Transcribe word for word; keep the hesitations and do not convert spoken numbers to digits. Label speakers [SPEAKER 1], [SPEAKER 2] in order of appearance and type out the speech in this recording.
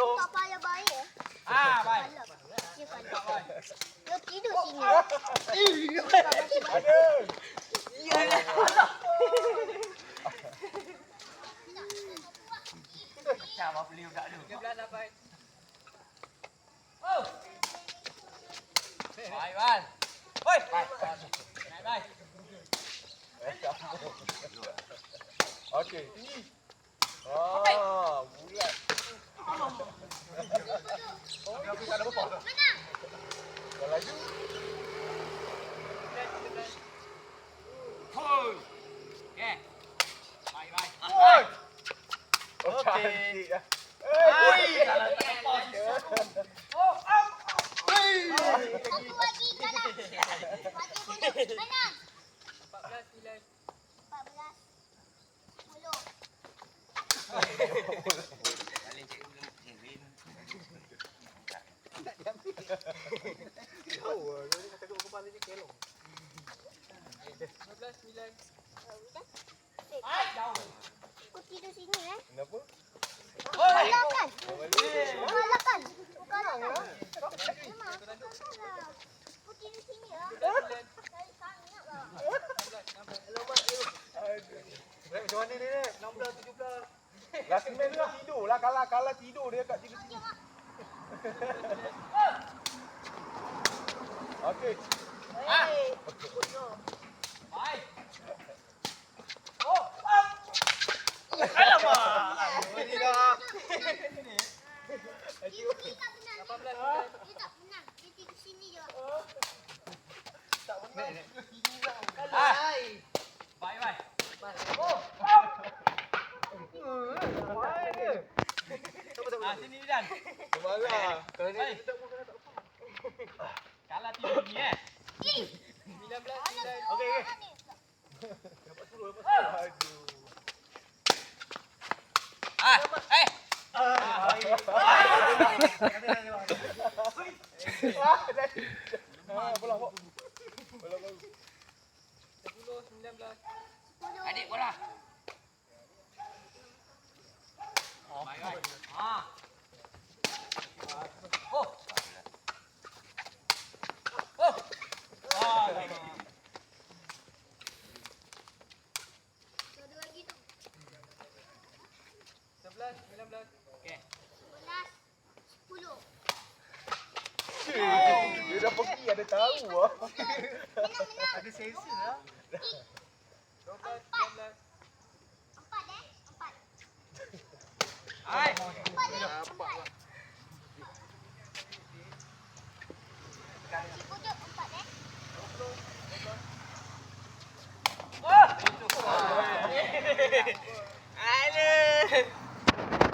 [SPEAKER 1] belum.
[SPEAKER 2] Tak payah baik eh.
[SPEAKER 3] Ah, baik.
[SPEAKER 2] Dia kalap. Dia tidur sini.
[SPEAKER 1] Aduh.
[SPEAKER 3] Iyalah. Macam apa beli budak tu?
[SPEAKER 4] tiga belas dah baik.
[SPEAKER 3] Oh. Baik, Wan. Oi. Baik. Naik, baik.
[SPEAKER 1] Okey, tinggi. Ah, bulat. Oh, dia tak ada apa-apa.
[SPEAKER 2] Menang.
[SPEAKER 1] Dah laju.
[SPEAKER 3] Hui. Okey. Baik, baik.
[SPEAKER 1] Oi. Oh,
[SPEAKER 3] Okey.
[SPEAKER 1] cantik dah.
[SPEAKER 3] Hai,
[SPEAKER 1] Eh,
[SPEAKER 3] kalau tak apa susah. Oh, up.
[SPEAKER 2] Satu lagi kalah. Mati bunuh. Menang.
[SPEAKER 4] empat belas sembilan.
[SPEAKER 2] empat belas. sepuluh.
[SPEAKER 3] Paling cikgu Kevin.
[SPEAKER 1] Jauh ah. Dia kata kepala dia kelong.
[SPEAKER 4] lima belas sembilan.
[SPEAKER 3] Hai, jauh.
[SPEAKER 2] Kau tidur sini eh.
[SPEAKER 1] Kenapa?
[SPEAKER 3] Oi.
[SPEAKER 2] Kalah kan?
[SPEAKER 1] Eh,
[SPEAKER 2] Kalah kan? Kau kalah kan? Memang aku kalah. Kau tidur sini ah. Saya sangat lah.
[SPEAKER 1] Rek, macam mana ni, Rek? enam belas, tujuh belas. Last man tu lah tidur lah. Kalah, kalah tidur dia kat tidur sini. Okey.
[SPEAKER 3] Ah. Baik. Oh, up. Alamak.
[SPEAKER 1] Ini dah.
[SPEAKER 2] Dia tak menang.
[SPEAKER 4] lapan belas sembilan.
[SPEAKER 2] Dia tak menang. Dia tidur sini je.
[SPEAKER 1] Tak menang.
[SPEAKER 3] Ah. Baik, baik. Oh, up.
[SPEAKER 1] Main dia.
[SPEAKER 3] Ah, sini Dan.
[SPEAKER 1] Marah. Kalau dia
[SPEAKER 3] Hai.
[SPEAKER 1] tak pun kena tak apa.
[SPEAKER 3] Kalah tidur ni eh.
[SPEAKER 4] sembilan belas sembilan.
[SPEAKER 1] Okey, okey. Dapat sepuluh, dapat sepuluh. Aduh.
[SPEAKER 3] Ah, eh.
[SPEAKER 1] Ah, ah, bola, bola. Bola baru.
[SPEAKER 4] sepuluh sembilan belas.
[SPEAKER 3] Adik bola. Baik, baik. Ah. Oh. Oh. Ah.
[SPEAKER 2] Ada lagi tu.
[SPEAKER 4] sebelas sembilan belas.
[SPEAKER 3] Okey.
[SPEAKER 2] sebelas. sepuluh.
[SPEAKER 1] Dia dah pergi, ada tahu ah.
[SPEAKER 2] Menang, menang.
[SPEAKER 1] Ada sensor lah.
[SPEAKER 4] dua belas sembilan belas.
[SPEAKER 2] Empat eh. Empat.
[SPEAKER 3] Hai.
[SPEAKER 2] Empat eh. Empat. Cikgu tu empat eh.
[SPEAKER 3] Oh. Aduh.